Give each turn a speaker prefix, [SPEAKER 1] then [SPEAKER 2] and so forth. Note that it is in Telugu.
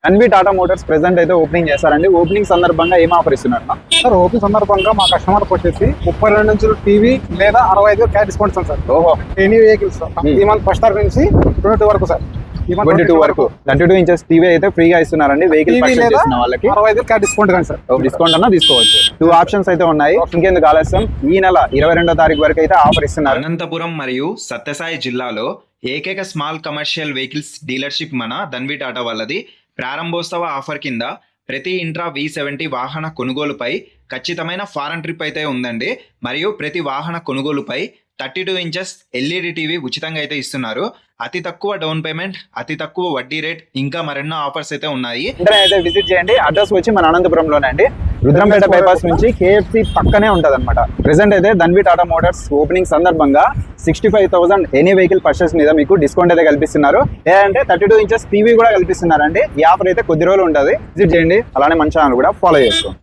[SPEAKER 1] ఎన్వి టాటా మోటార్స్ ప్రెసెంట్ అయితే ఓపెనింగ్ చేస్తారండి. ఓపెనింగ్ సందర్భంగా ఏం ఆఫర్ ఇస్తున్నారు?
[SPEAKER 2] సార్ ఓపెనింగ్ సందర్భంగా మా కస్టమర్ వచ్చేసి 32 నుంచి టీవీ లేదా 65 క్యాష్ డిస్కౌంట్ సార్.
[SPEAKER 1] ఓహో,
[SPEAKER 2] ఎనీ వెహికల్స్ ఈ మంత్ ఫస్ట్ తారీఖు నుంచి 22 వరకు సార్.
[SPEAKER 1] 22 వరకు 32 ఇంచెస్ టీవీ అయితే ఫ్రీగా ఇస్తున్నారండి. వెహికల్ పర్చేస్ చేసిన వాళ్ళకి
[SPEAKER 2] 65 క్యాష్ డిస్కౌంట్ కానీ సార్.
[SPEAKER 1] డిస్కౌంట్ అన్నా తీసుకోవచ్చు. 2 ఆప్షన్స్ అయితే ఉన్నాయి. ఇంకెందుకు ఆలస్యం, ఈ నెల 22వ తారీఖు వరకు అయితే ఆఫర్ ఇస్తున్నారు.
[SPEAKER 3] అనంతపురం మరియు సత్యసాయి జిల్లాలో ఏకైక స్మాల్ కమర్షియల్ వెహికల్స్ డీలర్షిప్ మన ధన్వి టాటా వాళ్ళది. ప్రారంభోత్సవ ఆఫర్ కింద ప్రతి ఇంట్రా V70 వాహన కొనుగోలుపై ఖచ్చితమైన ఫారెన్ ట్రిప్ అయితే ఉందండి. మరియు ప్రతి వాహన కొనుగోలుపై 32 ఇంచెస్ LED టీవీ ఉచితంగా అయితే ఇస్తున్నారు. అతి తక్కువ డౌన్ పేమెంట్, అతి తక్కువ వడ్డీ రేట్, ఇంకా మరెన్నో ఆఫర్స్ అయితే ఉన్నాయి.
[SPEAKER 1] అయితే విజిట్ చేయండి. అడ్రస్ వచ్చి మన అనంతపురంలోనే అండి. రుద్రంపేట బైపాస్ నుంచి KFC పక్కనే ఉంటది అనమాట. ప్రెసెంట్ అయితే ధన్వి టాటా మోటార్స్ ఓపెనింగ్ సందర్భంగా 65,000 ఎనీ వెహికల్ పర్చేస్ మీద మీకు డిస్కౌంట్ అయితే కల్పిస్తున్నారు. లేదంటే 32 ఇంచెస్ టీవీ కూడా కల్పిస్తున్నారండి. ఈ ఆఫర్ అయితే కొద్ది రోజులు ఉంటుంది. విజిట్ చేయండి. అలానే మన ఛానల్ కూడా ఫాలో చేసుకోండి.